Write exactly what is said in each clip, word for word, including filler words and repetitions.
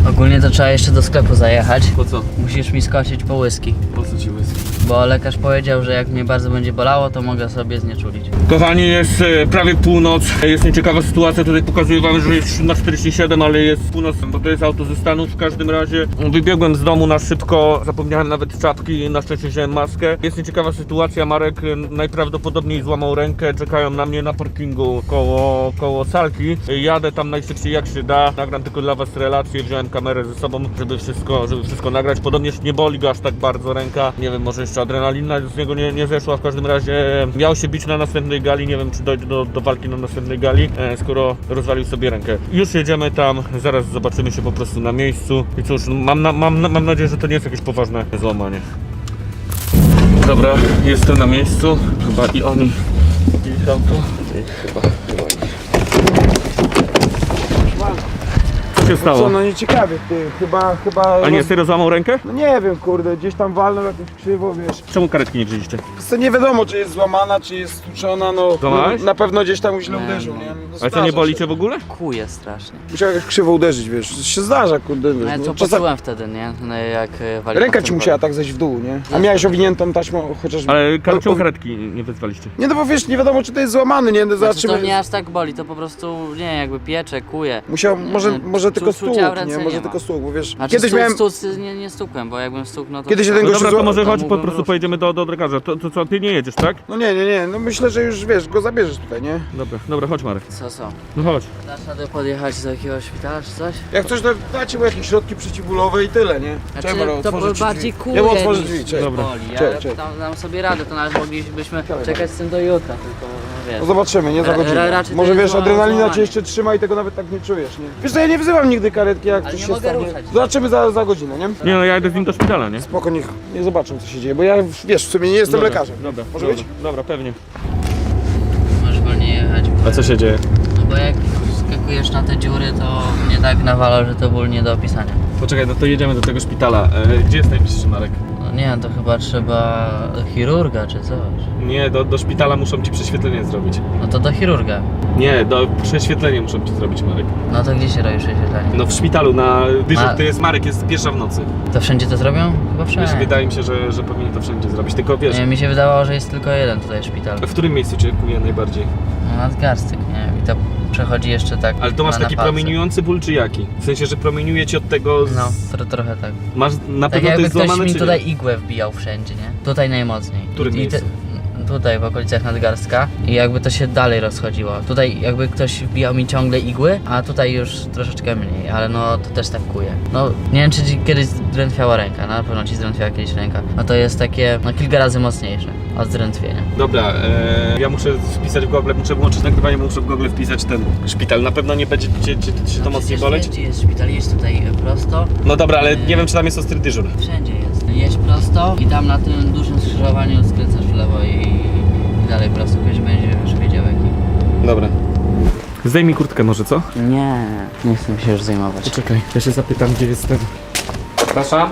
Ogólnie to trzeba jeszcze do sklepu zajechać. Po co? Musisz mi skosić po whisky. Po co ci whisky? Bo lekarz powiedział, że jak mnie bardzo będzie bolało, to mogę sobie znieczulić. Kochani, jest e, prawie północ. Jest nieciekawa sytuacja, tutaj pokazuję wam, że jest na czterdzieści siedem, ale jest północ, bo to jest auto ze Stanów. W każdym razie wybiegłem z domu na szybko, zapomniałem nawet czapki, na szczęście wziąłem maskę. Jest nieciekawa sytuacja, Marek e, najprawdopodobniej złamał rękę, czekają na mnie na parkingu koło, koło salki. Jadę tam najszybciej jak się da, nagram tylko dla was relację, wziąłem kamerę ze sobą, żeby wszystko, żeby wszystko nagrać. Podobnież nie boli go aż tak bardzo ręka, nie wiem, może jeszcze adrenalina z niego nie, nie zeszła, w każdym razie miał się bić na następnej gali, nie wiem czy dojdzie do, do walki na następnej gali, e, skoro rozwalił sobie rękę. Już jedziemy tam, zaraz zobaczymy się po prostu na miejscu i cóż, mam, na, mam, mam nadzieję, że to nie jest jakieś poważne złamanie. Dobra, jestem na miejscu, chyba i oni, i auto, i chyba, chyba oni. Co się stało? Co, no nie ciekawie, ty, chyba, chyba... A nie, serio złamał rękę? No nie wiem, kurde, gdzieś tam walnął jakoś krzywo, wiesz. Czemu karetki nie wzięliście? Co nie wiadomo, czy jest złamana, czy jest stłuczona, no, Złamałeś? no na pewno gdzieś tam źle Nie, uderzył, no. nie? No, Ale co, zdarza nie boli się. cię w ogóle? Kuje strasznie. Musiał jakoś krzywo uderzyć, wiesz, to się zdarza, kurde, wiesz. No, no, to czasem- poczułem wtedy, nie? No, jak e, waliłem Ręka w ci tym musiała kole. tak zejść w dół, nie? A miałeś owiniętą taśmą chociaż... Ale kar- o- czemu o- karetki nie wezwaliście? Nie, no bo wiesz, nie wiadomo, czy to jest złamany, nie? No, Znaczy, zobaczymy. to nie aż tak boli, to po prostu, nie, jakby piecze, kuje. Musiał, może, Nie, może czu- tylko czucia stół, w ręce nie? nie Może ma. tylko stół, bo wiesz, Znaczy, kiedyś stu, miałem... stu, nie, nie stukłem, bo jakbym stuknął, to... Kiedyś to, jeden No gościu dobra, to zła- może to chodź, po mógłbym prostu ruszyć. pojedziemy do, do lekarza. To, to co, ty nie jedziesz, tak? No nie, nie, nie, no myślę, że już, wiesz, go zabierzesz tutaj, nie? Dobra, dobra, chodź Marek. Co, co? No chodź. Dasz radę podjechać do jakiegoś szpitala czy coś? Jak coś, to dacie mu jakieś środki przeciwbólowe i tyle, nie? Znaczy, Czekaj, to otworzę ci bardziej drzwi. kuje Ja mu otworzę niż drzwi, cześć. Dobra. boli. Ja Cześć, cześć. dam, dam sobie radę, to nawet moglibyśmy czekać z tym do jutra, tylko no, wiesz. No zobaczymy, nie za Ra- godzinę. ra- raczej to Może jest wiesz, zła- adrenalina złamanie. cię jeszcze trzyma i tego nawet tak nie czujesz, nie? Wiesz co, ja nie wzywam nigdy karetki, jak Ale coś nie się mogę stanie. ruszać. Zobaczymy za, za godzinę, nie? Nie no, ja jedę z nim do szpitala, nie? Spoko, niech nie zobaczą co się dzieje, bo ja, wiesz, w sumie nie jestem Dobra, lekarzem. Dobra, Może dobra, być? dobra, pewnie. Możesz wolniej jechać. A co się dzieje? No bo jak skakujesz na te dziury, to mnie tak nawala, że to ból nie do opisania. Poczekaj, no to jedziemy do tego szpitala. E, gdzie jest najbliższy Marek? No nie, to chyba trzeba do chirurga czy coś. Nie, do, do szpitala muszą ci prześwietlenie zrobić. No to do chirurga. Nie, do prześwietlenie muszą ci zrobić, Marek. No to gdzie się robi prześwietlenie? No w szpitalu na dyżur, A- to jest Marek, jest pierwsza w nocy. To wszędzie to zrobią? Chyba Wiesz, wszędzie. wydaje mi się, że, że powinien to wszędzie zrobić, tylko wiesz, Nie, mi się wydawało, że jest tylko jeden tutaj szpital. w którym miejscu cię kuje najbardziej? No nadgarstek, nie wiem. I to przechodzi jeszcze tak. Ale to masz na taki napalce. promieniujący ból czy jaki? W sensie, że promieniuje ci od tego z... No, tro, trochę tak. Masz na Tak pewno to jakby jest ktoś złamane mi czy tutaj nie? igłę wbijał wszędzie, nie? Tutaj najmocniej. W którym I, i te, miejscu? tutaj w okolicach nadgarstka i jakby to się dalej rozchodziło. Tutaj jakby ktoś wbijał mi ciągle igły, a tutaj już troszeczkę mniej, ale no to też tak kuje. No nie wiem czy ci kiedyś zdrętwiała ręka, na pewno ci zdrętwiała kiedyś ręka. No to jest takie no kilka razy mocniejsze od zdrętwienia. Dobra, e, ja muszę wpisać w Google, muszę włączyć nagrywanie, muszę w Google wpisać ten szpital. Na pewno nie będzie cię, cię, cię to No mocniej przecież boleć? Gdzie jest szpital? Jest tutaj prosto. No dobra, ale nie wiem czy tam jest ostry dyżur. Wszędzie jest. Jedź prosto i tam na tym dużym skrzyżowaniu skręcasz w lewo i, i dalej prosto, ktoś będzie już wiedział jaki. Dobra. Zdejmij kurtkę może, co? Nie, nie chcę się już zajmować. Czekaj, ja się zapytam, gdzie jest ten... Przepraszam?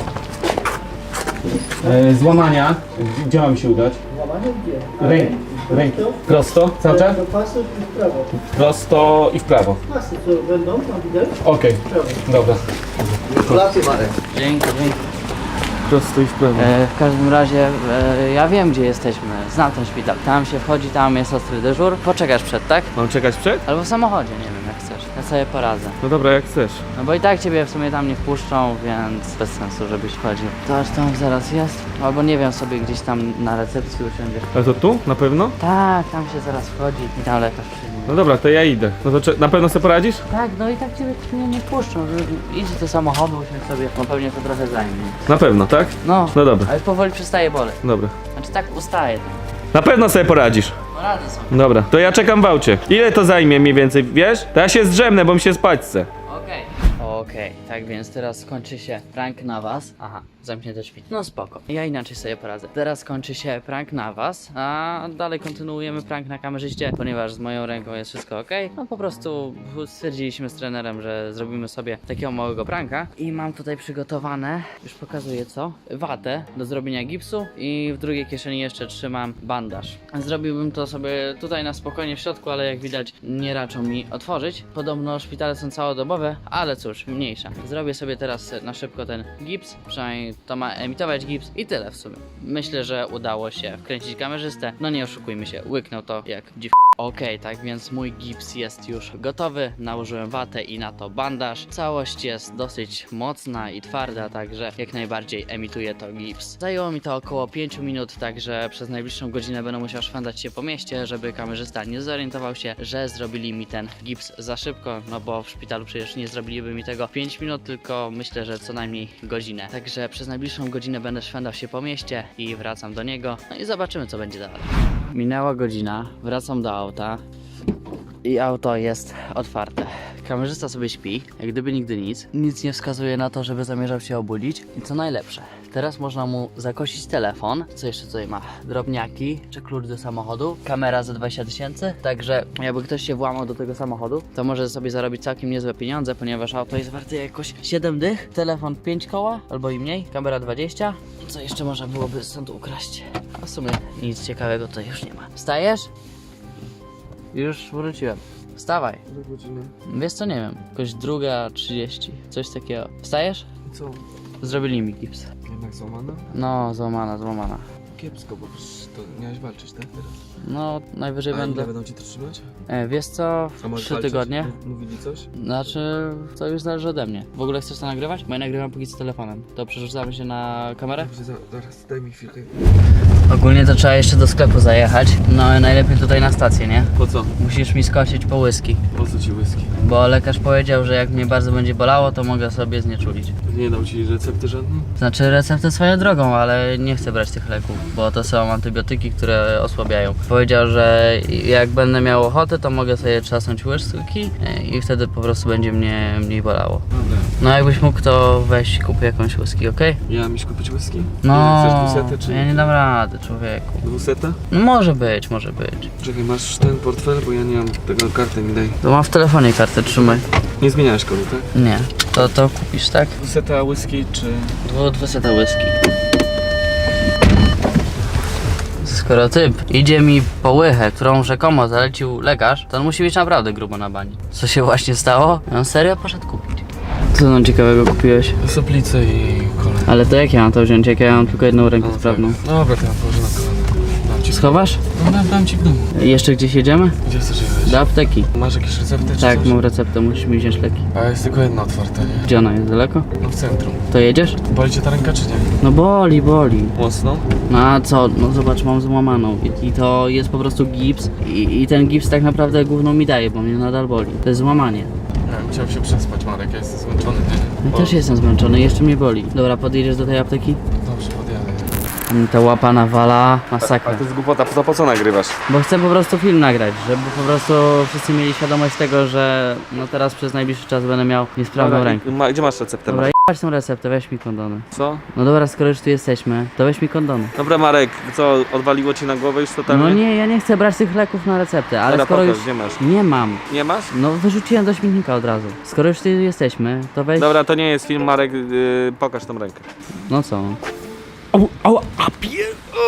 E, złamania. Gdzie mam się udać? Złamanie gdzie? Ręki. Ręki. Prosto? Cały czas? Do pasów i w prawo. Prosto i w prawo. Pasy co będą, tam widać? Okej, dobra. Gratulacje Marek. Dzięki, dzięki. Prosto i w prawo. E, w każdym razie e, ja wiem gdzie jesteśmy, znam ten szpital. Tam się wchodzi, tam jest ostry dyżur. Poczekasz przed, tak? Mam czekać przed? Albo w samochodzie, nie wiem jak chcesz. Ja sobie poradzę. No dobra, jak chcesz. No bo i tak ciebie w sumie tam nie wpuszczą, więc bez sensu żebyś wchodził. To aż tam zaraz jest. Albo nie wiem, sobie gdzieś tam na recepcji usiądziesz. Ale to tu? Na pewno? Tak, tam się zaraz wchodzi i tam lekarz przyjmie. No dobra, to ja idę. No to cze- na pewno sobie poradzisz? Tak, no i tak ciebie nie, nie puszczą. że- Idź do samochodu, usiądź sobie, no pewnie to trochę zajmie. Na pewno, tak? No, No dobra, ale powoli przestaje boleć. dobra. Znaczy tak ustaje. Na pewno sobie poradzisz. Porady są. Dobra, to ja czekam w aucie. Ile to zajmie mniej więcej, wiesz? To ja się zdrzemnę, bo mi się spać chce. Okej. Okej, tak więc teraz skończy się prank na was. Aha, zamknięte drzwi. No spoko. Ja inaczej sobie poradzę. Teraz kończy się prank na was, a dalej kontynuujemy prank na kamerzyście, ponieważ z moją ręką jest wszystko ok. No po prostu stwierdziliśmy z trenerem, że zrobimy sobie takiego małego pranka. I mam tutaj przygotowane, już pokazuję co, watę do zrobienia gipsu i w drugiej kieszeni jeszcze trzymam bandaż. Zrobiłbym to sobie tutaj na spokojnie w środku, ale jak widać nie raczą mi otworzyć. Podobno szpitale są całodobowe, ale cóż. cóż, mniejsza. Zrobię sobie teraz na szybko ten gips, przynajmniej to ma emitować gips i tyle w sumie. Myślę, że udało się wkręcić kamerzystę, no nie oszukujmy się, łyknął to jak dziw... Okej, okay, tak więc mój gips jest już gotowy, nałożyłem watę i na to bandaż. Całość jest dosyć mocna i twarda, także jak najbardziej emituje to gips. Zajęło mi to około pięć minut, także przez najbliższą godzinę będę musiał szwendać się po mieście, żeby kamerzysta nie zorientował się, że zrobili mi ten gips za szybko, no bo w szpitalu przecież nie zrobiliby mi tego pięć minut, tylko myślę, że co najmniej godzinę. Także przez najbliższą godzinę będę szwendał się po mieście i wracam do niego, no i zobaczymy, co będzie dalej. Minęła godzina, wracam do auta i auto jest otwarte. Kamerzysta sobie śpi, jak gdyby nigdy nic. Nic nie wskazuje na to, żeby zamierzał się obudzić. I co najlepsze, teraz można mu zakosić telefon. Co jeszcze tutaj ma? Drobniaki, czy klucz do samochodu, kamera za dwadzieścia tysięcy. Także jakby ktoś się włamał do tego samochodu, to może sobie zarobić całkiem niezłe pieniądze, ponieważ auto jest warte jakoś siedem dych, telefon pięć koła, albo i mniej, kamera dwadzieścia. Co jeszcze można byłoby stąd ukraść? A w sumie nic ciekawego tutaj już nie ma. Wstajesz? Już wróciłem. Wstawaj. Do godziny. Wiesz co, nie wiem, jakoś druga trzydzieści, coś takiego. Wstajesz? Co? Zrobili mi gips. Jednak złamana? No, złamana, złamana. Kiepsko, bo przecież to miałeś walczyć, tak? Teraz. No, najwyżej A będę... ile będą cię to trzymać? E, wiesz co, A możesz trzy walczyć? tygodnie. M- Mówili coś? Znaczy, to już zależy ode mnie. W ogóle chcesz to nagrywać? Bo ja nagrywam póki co telefonem. To przerzucamy się na kamerę? Dobrze, za, zaraz, daj mi chwilkę. Ogólnie to trzeba jeszcze do sklepu zajechać. No, najlepiej tutaj na stację, nie? Po co? Musisz mi skosić po whisky. Po co ci whisky? Bo lekarz powiedział, że jak mnie bardzo będzie bolało, to mogę sobie znieczulić. Nie dał ci recepty żadnej? Znaczy receptę swoją drogą, ale nie chcę brać tych leków, bo to są antybiotyki, które osłabiają. Powiedział, że jak będę miał ochotę, to mogę sobie trzasnąć łyżki i wtedy po prostu będzie mnie mniej bolało. Dobra. No jakbyś mógł, to weź kup jakąś whisky, okej? Ja mieć kupić whisky? No, Chcesz dwusetę czy... ja nie dam rady, człowieku. Dwusetę? No może być, może być. Czekaj, masz ten portfel, bo ja nie mam tego, karty mi daj. To mam w telefonie kartę, trzymaj. Nie zmieniałeś kodu, tak? Nie, to to kupisz, tak? Dwuseta whisky czy... Dwu, dwuseta whisky. Skoro typ idzie mi po łychę, którą rzekomo zalecił lekarz, to on musi być naprawdę grubo na bani. Co się właśnie stało? On serio poszedł kupić. Co tam ciekawego kupiłeś? Soplicę i kolę. Ale to jak ja mam to wziąć, jak ja mam tylko jedną rękę sprawną? Tak. Dobra, to ja położę na kolana. Dam ci. Schowasz? No dam, dam ci w domu. Jeszcze gdzieś jedziemy? Gdzie chcesz jechać? Do apteki. Masz jakieś recepty czy Tak, coś? mam receptę, musisz mi wziąć leki. A jest tylko jedna otwarta, nie? Gdzie ona jest? Daleko? No w centrum. To jedziesz? Boli cię ta ręka czy nie? No boli, boli. Mocno? No a co? No zobacz, mam złamaną i, i to jest po prostu gips i, i ten gips tak naprawdę gówno mi daje, bo mnie nadal boli. To jest złamanie. Ja chciałem się przespać, Marek, ja jestem zmęczony, nie? Ja też jestem zmęczony, jeszcze mnie boli. Dobra, podjedziesz do tej apteki? Dobrze, podjadę. Mm, Ta łapa nawala, masakra. jest głupota, to po co nagrywasz? Bo chcę po prostu film nagrać, żeby po prostu wszyscy mieli świadomość tego, że no teraz przez najbliższy czas będę miał niesprawną rękę. Ma, gdzie masz receptę? Dobra, jebać tą receptę, weź mi kondony. Co? No dobra, skoro już tu jesteśmy, to weź mi kondony. Dobra, Marek, co, odwaliło ci na głowę już totalnie? No nie, ja nie chcę brać tych leków na receptę, ale Dobra, skoro pokaż, już... gdzie masz? Nie mam. Nie masz? No wyrzuciłem do śmietnika od razu. Skoro już tu jesteśmy, to weź... Dobra, to nie jest film, Marek, yy, pokaż tą rękę. No co? Au, au, a pier...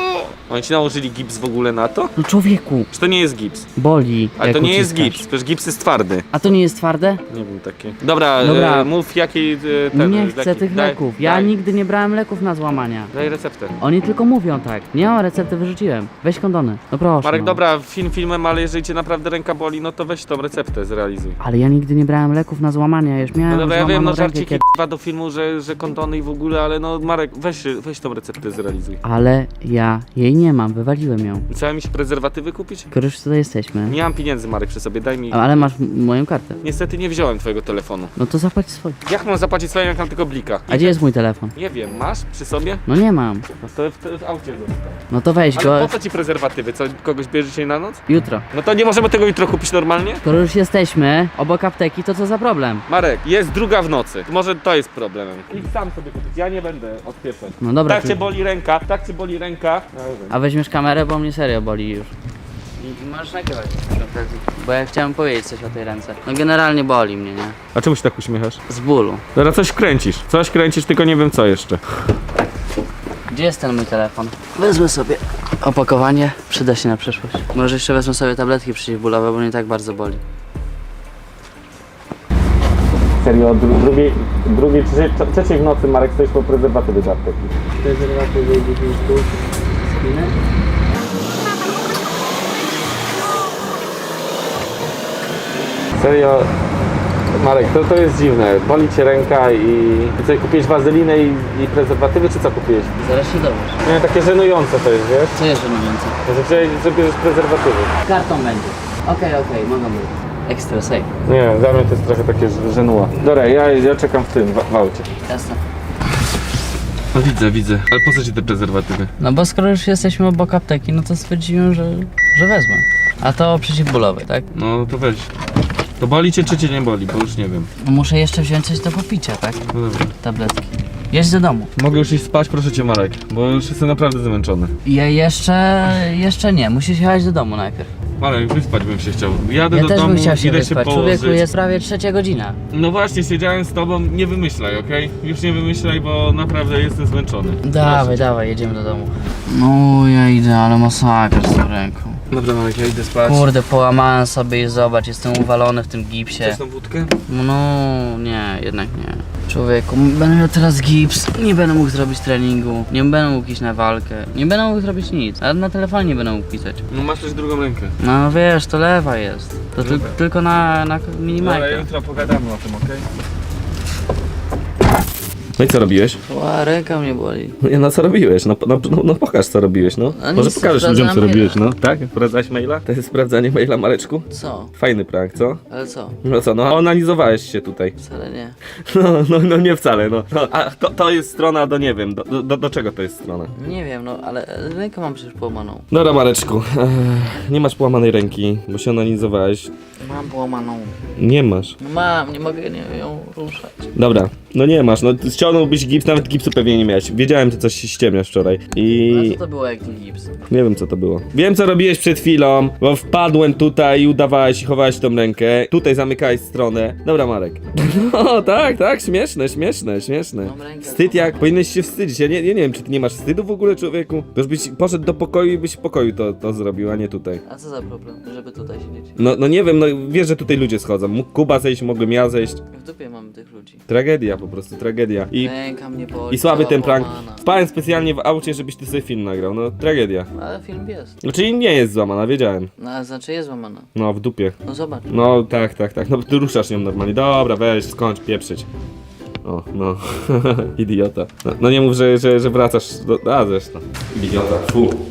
Oni ci nałożyli gips w ogóle na to? No człowieku, Czy to nie jest gips? boli. Ale jak to nie jest uciskasz. gips, przecież gips jest twardy. A to nie jest twarde? Nie wiem, takie. Dobra, Dobra. E, mów jaki e, ten... Nie chcę jaki- tych daj, leków. Ja daj, nigdy nie brałem leków na złamania. Daj receptę. Oni tylko mówią tak. Nie mam recepty, wyrzuciłem. Weź kondony. No proszę. Marek, no. dobra, film filmem, ale jeżeli cię naprawdę ręka boli, no to weź tą receptę, zrealizuj. Ale ja nigdy nie brałem leków na złamania. Ja już miałem No dobra, ja wiem, złamaną no rękę żarciki kiedy... k***wa do filmu, że, że kondony i w ogóle, ale no Marek, weź, weź tą receptę, zrealizuj. Ale ja jej nie mam. Wywaliłem ją. Chciałem mi się prezerwatywy kupić? Skoro już tutaj jesteśmy. Nie mam pieniędzy, Marek, przy sobie, daj mi... Ale masz m- moją kartę. Niestety nie wziąłem twojego telefonu. No to zapłać swoje. Jak mam zapłacić swoim, jak mam tylko blika? A gdzie jest mój telefon? Nie wiem, masz przy sobie? No nie mam. No to w, w aucie został. No to weź Ale go po co ci prezerwatywy? Co, kogoś bierze się na noc? jutro. No to nie możemy tego jutro kupić normalnie? Skoro już jesteśmy obok apteki, to co za problem? Marek, jest druga w nocy. Może to jest problemem. Idź sam sobie kupić, ja nie będę odpieprzać. No dobra. Tak ty- cię boli ręka, tak cię boli ręka. A weźmiesz kamerę, bo mnie serio boli już. I możesz nagrywać. Bo ja chciałem powiedzieć coś o tej ręce. No generalnie boli mnie, nie? A czemu się tak uśmiechasz? Z bólu. Zaraz coś kręcisz. Coś kręcisz, tylko nie wiem co jeszcze. Gdzie jest ten mój telefon? Wezmę sobie opakowanie. Przyda się na przyszłość. Może jeszcze wezmę sobie tabletki przeciwbólowe, bo mnie tak bardzo boli. Serio, dru drugiej, drugiej, trzeciej, trzeciej w nocy Marek stoisz po prezerwatywy do apteki. Prezerwatywy dziesięć sztuk. Spinę. Serio, Marek, to, to jest dziwne. Boli cię ręka i... I co, kupiłeś wazelinę i, i prezerwatywy, czy co kupiłeś? Zaraz się dowiesz. Nie, takie żenujące to jest, wiesz? Co jest żenujące? Że, wziąłeś- że bierzesz prezerwatywy. Kartą będzie. Okej, okej, mogą być. Extra safe. Nie, dla mnie to jest trochę takie ż- żenuła. Dobra, ja, ja czekam w tym, w, w aucie. Jasne. No widzę, widzę. Ale po co ci te prezerwatywy? No bo skoro już jesteśmy obok apteki, no to stwierdziłem, że, że wezmę. A to przeciwbólowy, tak? No to weź. To boli cię, czy cię nie boli? Bo już nie wiem. No muszę jeszcze wziąć coś do popicia, tak? No dobra. Tabletki. Jedź do domu. Mogę już iść spać, proszę cię, Marek, bo już jestem naprawdę zmęczony. Ja jeszcze, jeszcze nie. Musisz jechać do domu najpierw. Marek, wyspać bym się chciał. Jadę Ja do też domu, bym chciał się idę wyspać. się Człowieku, położyć. jest prawie trzecia godzina. No właśnie, siedziałem z tobą, nie wymyślaj, okej? Już nie wymyślaj, bo naprawdę jestem zmęczony. Dawaj, dawaj, jedziemy do domu. No ja idę, ale masakra z tą ręką. Dobra, Marek, ja idę spać. Kurde, połamałem sobie i zobacz, jestem uwalony w tym gipsie. Chcesz tą wódkę? No nie, jednak nie. Człowieku, będę miał teraz gips, nie będę mógł zrobić treningu, nie będę mógł iść na walkę, nie będę mógł zrobić nic, nawet na telefonie nie będę mógł pisać. No masz też drugą rękę. No wiesz, to lewa jest, to tyl Dobra. tylko na, na Dobra, minimajkę. jutro pogadamy o tym, okej? No i co robiłeś? Ła, ręka mnie boli. Nie, no co robiłeś? No, no, no, no pokaż co robiłeś, no. No Może nic, pokażesz ludziom co sprawdzam robiłeś, maila. no. Tak? Sprawdzałeś maila? To jest sprawdzanie maila, Mareczku? Co? Fajny prank, co? Ale co? No co, no analizowałeś się tutaj. Wcale nie. No, no, no nie wcale, no. no a to, to jest strona do nie wiem, do, do, do czego to jest strona? Nie wiem, no ale rękę mam przecież połamaną. Dobra, Mareczku, ech, nie masz połamanej ręki, bo się analizowałeś. Mam połamaną. Nie masz. No mam, nie mogę nie, ją ruszać. Dobra, no nie masz, no ściągnąłbyś gips, nawet gipsu pewnie nie miałeś. Wiedziałem, że coś się ściemniasz wczoraj No i co to było jak ten gips? nie wiem co to było. Wiem co robiłeś przed chwilą, bo wpadłem tutaj i udawałeś i chowałeś tą rękę. Tutaj zamykałeś stronę. Dobra, Marek. No tak, tak, śmieszne, śmieszne, śmieszne. Mam rękę Wstyd jak, powinieneś się wstydzić. Ja nie, ja nie wiem, czy ty nie masz wstydu w ogóle, człowieku? To już byś poszedł do pokoju i byś w pokoju to, to zrobił, a nie tutaj. A co za problem, żeby tutaj siedzieć? No, no nie wiem, no wiesz, że tutaj ludzie schodzą. Mógł Kuba zejść, mogłem ja zejść. W dupie mamy tych ludzi. Tragedia po prostu, tragedia. I, Ręka mnie boli. i słaby cała ten prank. połamana. Spałem specjalnie w aucie, żebyś ty sobie film nagrał. No, tragedia. Ale film jest. Znaczy nie jest złamana, wiedziałem. No ale znaczy jest złamana. No, w dupie. No zobacz. No, tak, tak, tak. No, ty ruszasz nią normalnie. Dobra, weź, skończ, pieprzyć. O, no. Idiota. No, no nie mów, że, że, że wracasz do... A, zresztą. Idiota. Fu.